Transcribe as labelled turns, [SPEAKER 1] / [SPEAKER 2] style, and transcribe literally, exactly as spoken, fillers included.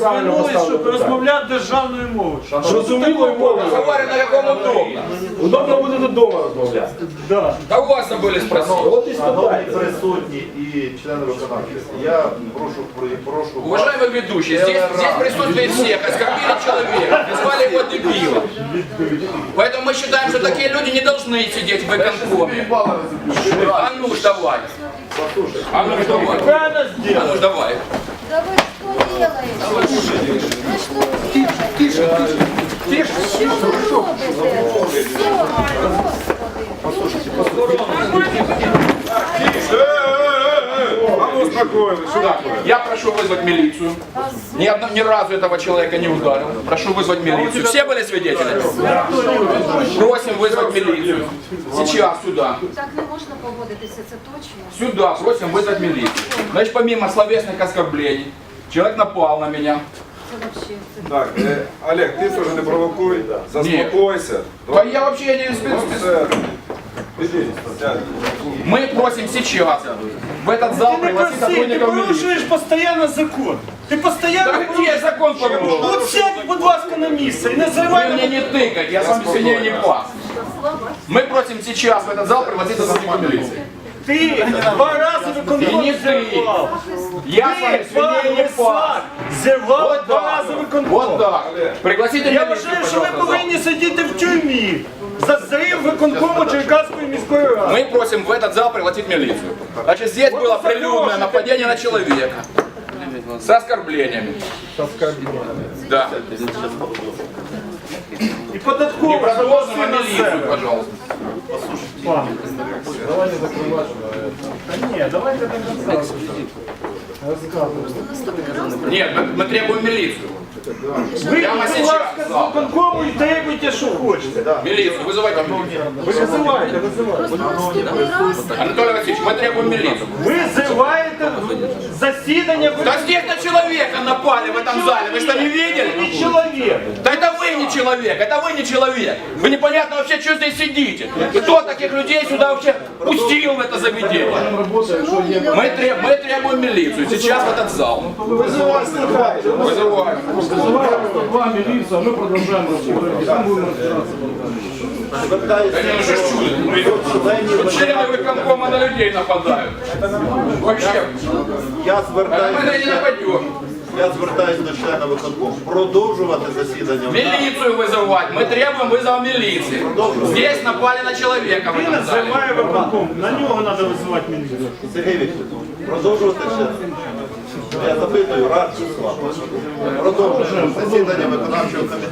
[SPEAKER 1] правильно
[SPEAKER 2] звернулись, щоб
[SPEAKER 1] поставили питання.
[SPEAKER 2] розмовляти державною мовою.
[SPEAKER 1] Зрозумілою мовою.
[SPEAKER 3] Говорю, на каком удобно.
[SPEAKER 1] Удобно буде додому розмовляти.
[SPEAKER 2] Да.
[SPEAKER 3] Да у вас забыли спросить.
[SPEAKER 1] От і
[SPEAKER 4] Шановні
[SPEAKER 1] спитайте.
[SPEAKER 4] присутні і члени виконавчої, я прошу, прошу вас.
[SPEAKER 3] Уважаемый ведущий, здесь, здесь присутствует всех, оскорбили человека, назвали его дебилом. Поэтому мы считаем, что такие люди не должны сидеть в выконкоме. А ну ж давай. А ну ж давай.
[SPEAKER 2] Правильно
[SPEAKER 3] А ну
[SPEAKER 2] сделали.
[SPEAKER 3] ж давай.
[SPEAKER 5] Да вы что делаете? Вы что делаете?
[SPEAKER 3] Тише, тише.
[SPEAKER 5] Что вы робите? Все,
[SPEAKER 6] А ну успокоились, что такое?
[SPEAKER 3] Я прошу вызвать милицию. Ни, одно- ни разу этого человека не ударил. Прошу вызвать милицию. Все были свидетелями? Просим вызвать милицию. Сейчас сюда.
[SPEAKER 5] Так не можна поводитися, це точно.
[SPEAKER 3] Сюда просим вызвать милицию. Значит, помимо словесных оскорблений, человек напал на меня.
[SPEAKER 5] Це вообще. Це...
[SPEAKER 6] Так, э, Олег, ты тоже не провокуй, заспокойся.
[SPEAKER 3] Да я вообще не спец-
[SPEAKER 6] Все. Иди, сядь.
[SPEAKER 3] Мы просим сейчас в этот зал
[SPEAKER 2] Ты не
[SPEAKER 3] пригласить
[SPEAKER 2] проси, ты
[SPEAKER 3] сотрудников милиции.
[SPEAKER 2] порушуєш постійно закон. Ти постійно
[SPEAKER 3] Да где я закон порушил?
[SPEAKER 2] От сядь, будь ласка, на місце і не
[SPEAKER 3] Вы
[SPEAKER 2] зривай
[SPEAKER 3] мне
[SPEAKER 2] мене.
[SPEAKER 3] не тыкать, я с вами сильнее не пас. Мы просим сейчас в этот зал пригласить сотрудников милиции.
[SPEAKER 2] Ти два рази
[SPEAKER 3] І
[SPEAKER 2] виконком
[SPEAKER 3] не ти.
[SPEAKER 2] зірвав.
[SPEAKER 3] Я с вами
[SPEAKER 2] Ти,
[SPEAKER 3] сильнее не
[SPEAKER 2] пан
[SPEAKER 3] пас.
[SPEAKER 2] Лисак, зірвав
[SPEAKER 3] Вот
[SPEAKER 2] два
[SPEAKER 3] так.
[SPEAKER 2] рази виконком.
[SPEAKER 3] Вот так. Пригласите
[SPEAKER 2] Я
[SPEAKER 3] милицию,
[SPEAKER 2] вважаю, що ви
[SPEAKER 3] пожалуйста, в зал.
[SPEAKER 2] повинні сидіти в тюрмі за зрив виконкому Черкаської міської ради.
[SPEAKER 3] Мы просим в этот зал пригласить милицию. Значит, здесь было прилюдное нападение на человека. С оскорблениями. Да.
[SPEAKER 2] І
[SPEAKER 3] Не
[SPEAKER 2] податково
[SPEAKER 3] продолжим, а
[SPEAKER 2] запроси на
[SPEAKER 3] милицию,
[SPEAKER 2] себе.
[SPEAKER 3] пожалуйста.
[SPEAKER 2] Пан. Та ні, давайте до кінця.
[SPEAKER 3] Нет, мы, мы требуем милицию.
[SPEAKER 2] Ви,
[SPEAKER 3] Прямо
[SPEAKER 2] будь
[SPEAKER 3] сейчас,
[SPEAKER 2] ласка, з
[SPEAKER 3] да.
[SPEAKER 2] виконкому і требуйте, що хочете.
[SPEAKER 3] Милицию, вызывайте милицию.
[SPEAKER 2] Ви визиваєте, визиваєте.
[SPEAKER 3] Анатолий Васильевич, мы требуем милицию.
[SPEAKER 2] Ви зриваєте засідання
[SPEAKER 3] Да здесь на человека напали в этом зале, вы что, не видели?
[SPEAKER 2] ви чоловік.
[SPEAKER 3] Да это вы не человек, это вы не человек. Вы непонятно вообще, что здесь сидите. Кто таких людей сюда вообще пустил в это заведение? Мы, треб- мы требуем милицию сейчас в этот зал. Вызываем.
[SPEAKER 1] Два міліція, ми продовжуємо роботу. Там будемо розбиратися.
[SPEAKER 3] Да не, ну что ж чудо. Тут члены выконкома на людей нападают. Вообще.
[SPEAKER 4] Я
[SPEAKER 3] А мы на не
[SPEAKER 4] звертаюся,
[SPEAKER 3] нападем.
[SPEAKER 4] я звертаюся до члена виконкому. Продовжувати засідання.
[SPEAKER 3] Милицию вызывать. Мы требуем вызова милиции. Здесь напали на человека в
[SPEAKER 2] Він
[SPEAKER 3] этом зале.
[SPEAKER 2] зриває виконком. На нього треба визивати міліцію.
[SPEAKER 4] Сергій Вікторович, продовжувати ще. Я запитую, раджу з вами. Продовжуємо засідання виконавчого комітету.